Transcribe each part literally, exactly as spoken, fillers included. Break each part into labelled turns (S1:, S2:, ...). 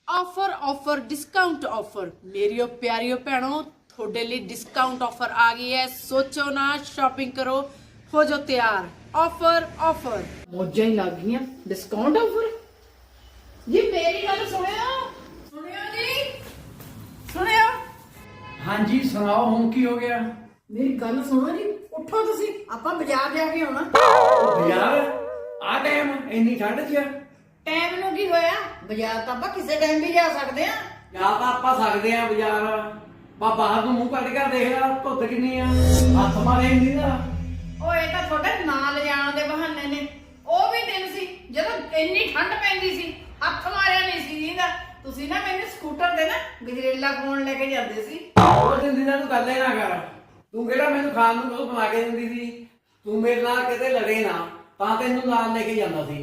S1: Offer offer discount offer मेरियो प्यारियो भैनों थोड़े लिए डिस्काउंट ऑफर आ गई है। सोचो ना, शॉपिंग करो, हो जाओ तैयार। ऑफर ऑफर मौजा ही लग गई। डिस्काउंट ऑफर जी मेरी गल सुनियो सुनियो जी सुनियो।
S2: हाँ जी सुनाओ, हुण की हो गया?
S1: मेरी गल सुनो जी, उठो तुसी, आपां बाजार जाके आउणा।
S2: बाजार आ टाइम इन्नी ठंड च?
S1: टाइम ਨੂੰ ਕੀ ਹੋਇਆ? ਬਾਜ਼ਾਰ ਤਾਂ ਆਪਾਂ ਕਿਸੇ ਟਾਈਮ ਵੀ ਜਾ ਸਕਦੇ ਆ।
S2: ਜਾ ਤਾਂ ਆਪਾਂ ਸਕਦੇ ਆ ਬਾਜ਼ਾਰ, ਬਾ ਬਾਹਰ ਨੂੰ ਮੂੰਹ ਕੱਢ ਕੇ ਦੇਖ ਲੈ, ਧੁੱਤ ਕਿੰਨੀ ਆ, ਹੱਥ ਮਾਰੇ ਨਹੀਂ ਦਾ।
S1: ਉਹ ਇਹ ਤਾਂ ਤੁਹਾਡੇ ਨਾਲ ਲਿਜਾਣ ਦੇ ਬਹਾਨੇ ਨੇ। ਉਹ ਵੀ ਦਿਨ ਸੀ ਜਦੋਂ ਇੰਨੀ ਠੰਡ ਪੈਂਦੀ ਸੀ, ਹੱਥ ਮਾਰਿਆ ਨਹੀਂ ਸੀ ਇਹਦਾ। ਤੁਸੀਂ ਨਾ ਮੈਨੂੰ ਸਕੂਟਰ ਤੇ ਨਾ ਗਜਰੇਲਾ ਖਵਾਉਣ ਲੈ ਕੇ ਜਾਂਦੇ ਸੀ।
S2: ਉਹ ਦਿਨ ਦਿਨਾਂ ਤੂੰ ਗੱਲ ਹੀ ਨਾ ਕਰ। ਤੂੰ ਕਿਹੜਾ ਮੈਨੂੰ ਖਾਣ ਨੂੰ ਕੁਝ ਬਣਾ ਕੇ ਦਿੰਦੀ ਸੀ? ਤੂੰ ਮੇਰੇ ਨਾਲ ਕਿਤੇ ਲੜੇ ਨਾ ਤਾਂ ਤੈਨੂੰ ਨਾਲ ਲੈ ਕੇ ਜਾਂਦਾ ਸੀ।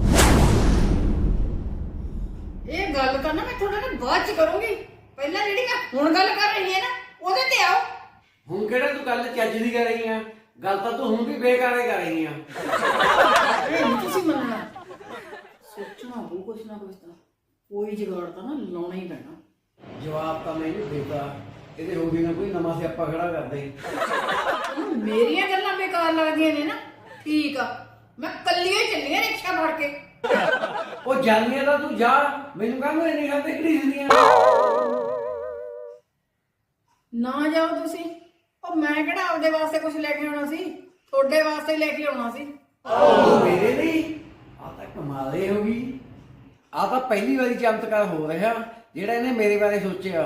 S1: ਇਹ ਗੱਲ ਤਾਂ ਨਾ ਮੈਂ ਤੁਹਾਡੇ ਨਾਲ ਬਾਅਦ ਚ ਕਰੂੰਗੀ। ਪਹਿਲਾਂ ਜਿਹੜੀ ਮੈਂ ਹੁਣ ਗੱਲ ਕਰ ਰਹੀ ਹਾਂ ਨਾ, ਉਹਦੇ ਤੇ ਆਓ।
S2: ਹੁਣ ਕਿਹੜਾ ਤੂੰ ਗੱਲ ਚੱਜ ਦੀ ਕਰ ਰਹੀ ਆ? ਗੱਲ ਤਾਂ ਤੂੰ ਹੁਣ ਵੀ ਬੇਕਾਰੇ ਕਰ ਰਹੀ ਆ।
S1: ਇਹ ਨਹੀਂ ਤੁਸੀਂ ਮੰਨਣਾ। ਸੋਚਣਾ ਹੋਊ ਕੁਛ ਨਾ ਕੁਛ ਤਾਂ, ਕੋਈ ਜੁਗਾੜ ਤਾਂ ਨਾ ਲਾਉਣਾ ਹੀ ਪੈਣਾ।
S2: ਜਵਾਬ ਤਾਂ ਮੈਨੂੰ ਦੇਤਾ, ਇਹਦੇ ਹੋ ਗਈ ਨਾ ਕੋਈ ਨਵਾਂ ਸਿਆਪਾ ਖੜਾ ਕਰਦੇ।
S1: ਮੇਰੀਆਂ ਗੱਲਾਂ ਬੇਕਾਰ ਲੱਗਦੀਆਂ ਨੇ ਨਾ, ਠੀਕ ਆ, ਮੈਂ ਕੱਲੀ ਹੀ ਚੱਲੀ ਆ ਰਿਕਸ਼ਾ ਫੜ ਕੇ।
S2: ਉਹ ਜਾਨੀਆਂ ਤਾਂ ਤੂੰ ਜਾ, ਮੈਨੂੰ ਕਹਿੰਦਾ ਇੰਨੀ ਗੱਲ ਤੇ ਕਿਹੜੀ ਹੁੰਦੀਆਂ
S1: ਨਾ ਜਾਓ ਤੁਸੀਂ। ਉਹ ਮੈਂ ਕਿਹੜਾ ਆਪਦੇ ਵਾਸਤੇ ਕੁਝ ਲੈ ਕੇ ਆਉਣਾ ਸੀ, ਤੁਹਾਡੇ ਵਾਸਤੇ ਹੀ ਲੈ ਕੇ ਆਉਣਾ ਸੀ।
S2: ਉਹ ਮੇਰੇ ਲਈ ਆ ਤਾਂ ਕਮਾਲੇ ਹੋ ਗਈ। ਆ ਤਾਂ ਪਹਿਲੀ ਵਾਰੀ ਚਮਤਕਾਰ ਹੋ ਰਿਹਾ ਜਿਹੜਾ ਇਹਨੇ ਮੇਰੇ ਬਾਰੇ ਸੋਚਿਆ।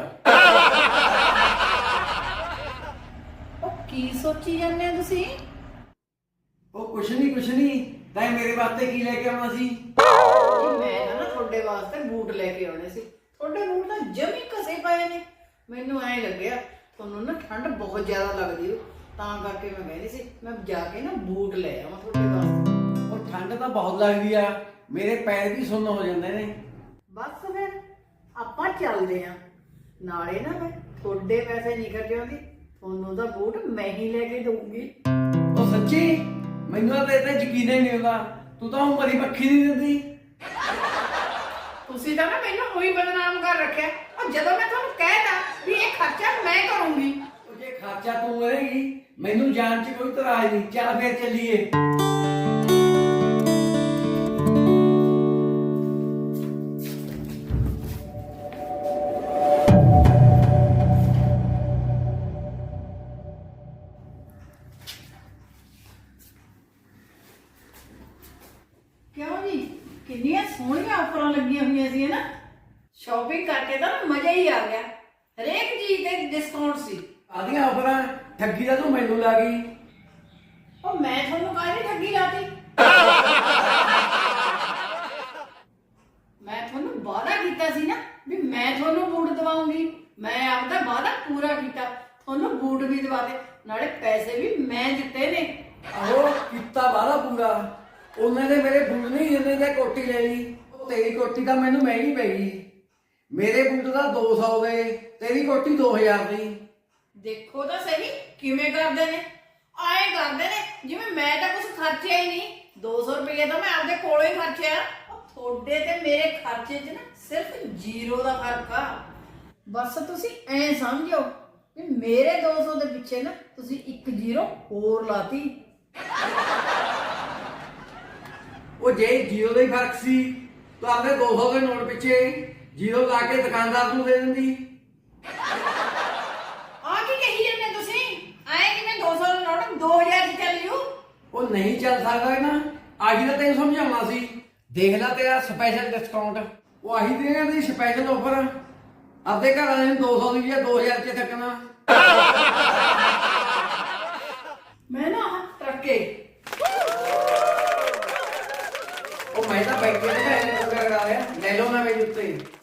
S1: ਉਹ ਕੀ ਸੋਚੀ ਜਾਂਦੇ ਆ ਤੁਸੀਂ?
S2: ਉਹ ਕੁਛ ਨਹੀਂ ਕੁਛ ਨਹੀਂ, ਤਾਂ ਮੇਰੇ ਵਾਸਤੇ ਕੀ ਲੈ ਕੇ ਆਉਣਾ ਸੀ?
S1: ਮੈਂ ਨਾ ਤੁਹਾਡੇ ਵਾਸਤੇ ਬੂਟ ਲੈ ਕੇ ਆਉਣੇ ਸੀ। ਤੁਹਾਡੇ ਬੂਟ ਤਾਂ ਜਮੀ ਘਸੇ ਪਏ ਨੇ। ਮੈਨੂੰ ਐਂ ਲੱਗਿਆ ਤੁਹਾਨੂੰ ਨਾ ਠੰਡ ਬਹੁਤ ਜ਼ਿਆਦਾ ਲੱਗਦੀ ਹੋ, ਤਾਂ ਕਰਕੇ ਮੈਂ ਕਹਿੰਦੀ ਸੀ ਮੈਂ ਜਾ ਕੇ ਨਾ ਬੂਟ ਲੈ ਆਵਾਂ ਤੁਹਾਡੇ ਵਾਸਤੇ।
S2: ਉਹ ਠੰਡ ਤਾਂ ਬਹੁਤ ਲੱਗਦੀ ਆ, ਮੇਰੇ ਪੈਰ ਵੀ ਸੁੰਨ ਹੋ ਜਾਂਦੇ ਨੇ।
S1: ਬਸ ਫਿਰ ਆਪਾਂ ਚੱਲਦੇ ਆਂ। ਨਾਲੇ ਨਾ ਮੈਂ ਤੁਹਾਡੇ ਪੈਸੇ ਨਹੀਂ ਖਰਚ ਆਉਂਦੀ, ਤੁਹਾਨੂੰ ਦਾ ਬੂਟ ਮੈਂ ਹੀ ਲੈ ਕੇ ਦਊਂਗੀ।
S2: ਉਹ ਸੱਚੀ? ਮੈਨੂੰ ਤਾਂ ਤੇਰੇ ਤੇ ਯਕੀਨ ਹੀ ਨਹੀਂ ਹੁੰਦਾ। ਤੂੰ ਤਾਂ ਮਰੀ ਮੱਖੀ ਨਹੀਂ ਦਿੰਦੀ।
S1: ਤੁਸੀਂ ਤਾਂ ਨਾ ਮੈਨੂੰ ਉਹੀ ਬਦਨਾਮ ਕਰ ਰੱਖਿਆ। ਉਹ ਜਦੋਂ ਮੈਂ ਤੁਹਾਨੂੰ ਕਹਿਤਾ ਵੀ ਇਹ ਖਰਚਾ ਮੈਂ ਕਰੂੰਗੀ।
S2: ਉਹ ਜੇ ਖਰਚਾ ਤੂੰ ਕਰੇਗੀ ਮੈਨੂੰ ਜਾਣ 'ਚ ਕੋਈ ਇਤਰਾਜ਼ ਨਹੀਂ। ਚੱਲ ਫੇਰ ਚੱਲੀਏ।
S1: ਕਿਉਂ ਜੀ, ਕਿੰਨੀਆਂ ਸੋਹਣੀਆਂ ਆਫਰਾਂ ਲੱਗੀਆਂ ਹੋਈਆਂ ਸੀ ਨਾ। ਸ਼ਾਪਿੰਗ ਕਰਕੇ ਤਾਂ ਮਜ਼ਾ ਹੀ ਆ ਗਿਆ। ਹਰੇਕ ਚੀਜ਼ ਤੇ ਡਿਸਕਾਊਂਟ ਸੀ।
S2: ਆਦੀਆਂ ਆਫਰਾਂ ਠੱਗੀ ਦਾ ਤੂੰ ਮੈਨੂੰ ਲਾ ਗਈ।
S1: ਉਹ ਮੈਂ ਤੁਹਾਨੂੰ ਕਾਹਦੀ ਠੱਗੀ ਲਾਤੀ? ਮੈਂ ਤੁਹਾਨੂੰ ਵਾਅਦਾ ਕੀਤਾ ਸੀ ਨਾ ਵੀ ਮੈਂ ਤੁਹਾਨੂੰ ਬੂਟ ਦਵਾਉਂਗੀ। ਮੈਂ ਆਪਦਾ ਵਾਅਦਾ ਪੂਰਾ ਕੀਤਾ, ਤੁਹਾਨੂੰ ਬੂਟ ਵੀ ਦਵਾਤੇ, ਨਾਲੇ ਪੈਸੇ ਵੀ ਮੈਂ ਦਿੱਤੇ ਨੇ।
S2: ਆਹੋ ਕੀਤਾ ਵਾਲਾ ਪੂਰਾ। ਉਹਨਾਂ ਨੇ ਮੇਰੇ ਬੂਟ ਨਹੀਂ ਜਿੰਨੇ ਤੇ ਕੋਟੀ ਲੈ ਲਈ। ਉਹ ਤੇਰੀ ਕੋਟੀ ਤਾਂ ਮੈਨੂੰ ਮਹਿੰਗੀ ਪੈ ਗਈ। ਮੇਰੇ ਬੂਟ ਦਾ ਦੋ ਸੌ ਦੇ, ਤੇਰੀ ਕੋਟੀ ਦੋ ਹਜ਼ਾਰ ਦੀ।
S1: ਦੇਖੋ ਤਾਂ ਸਹੀ ਕਿਵੇਂ ਕਰਦੇ ਨੇ। ਆਏ ਕਰਦੇ ਨੇ ਜਿਵੇਂ ਮੈਂ ਤਾਂ ਕੁਝ ਖਰਚਿਆ ਹੀ ਨਹੀਂ। ਦੋ ਸੌ ਰੁਪਏ ਤਾਂ ਮੈਂ ਆਪਦੇ ਕੋਲੋਂ ਹੀ ਖਰਚਿਆ। ਉਹ ਤੁਹਾਡੇ ਤੇ ਮੇਰੇ ਖਰਚੇ 'ਚ ਨਾ ਸਿਰਫ ਜ਼ੀਰੋ ਦਾ ਫਰਕ ਆ। ਬਸ ਤੁਸੀਂ ਐਂ ਸਮਝੋ ਕਿ ਮੇਰੇ ਦੋ ਸੌ ਦੇ ਪਿੱਛੇ ਨਾ ਤੁਸੀਂ ਇੱਕ ਜ਼ੀਰੋ ਹੋਰ ਲਾਤੀ।
S2: ਉਹ ਜੇ ਜੀਰੋ ਦਾ ਹੀ ਫਰਕ ਸੀ ਤਾਂ ਆਪਣੇ ਦੋ ਸੌ ਦੇ ਨੋਟ ਪਿੱਛੇ ਜੀਰੋ ਲਾ ਕੇ ਦੁਕਾਨਦਾਰ ਨੂੰ ਦੇ ਦਿੰਦੀ।
S1: ਆ ਕੀ ਕਹੀ ਜਾਂਦੇ ਤੁਸੀਂ? ਆਏ ਕਿ ਮੈਂ ਦੋ ਸੌ ਦਾ ਨੋਟ ਦੋ ਹਜ਼ਾਰ ਦੀ ਚੱਲ ਜੂ?
S2: ਉਹ ਨਹੀਂ ਚੱਲ ਸਕਦਾ ਨਾ। ਆਹੀ ਤਾਂ ਤੈਨੂੰ ਸਮਝਾਉਣਾ ਸੀ। ਦੇਖ ਲੈ ਤੇਰਾ ਸਪੈਸ਼ਲ ਡਿਸਕਾਊਂਟ। ਉਹ ਆਹੀ ਦੇਣਾ ਦੀ ਸਪੈਸ਼ਲ ਆਫਰ। ਆਪਦੇ ਘਰ ਵਾਲੇ ਨੂੰ ਦੋ ਸੌ ਦੀ ਜਾਂ ਦੋ ਹਜ਼ਾਰ 'ਚ ਥੱਕਣਾ।
S1: ਮੈਂ ਨਾ ਆਹ ਟਰੱਕੇ
S2: ਉਹ ਮੈਂ ਤਾਂ ਬੈਂਕੇ ਤੋਂ ਪੈਸੇ ਕਰਾ ਲਿਆ। ਲੈ ਲਓ ਨਾ ਮੇਰੇ ਉੱਤੇ।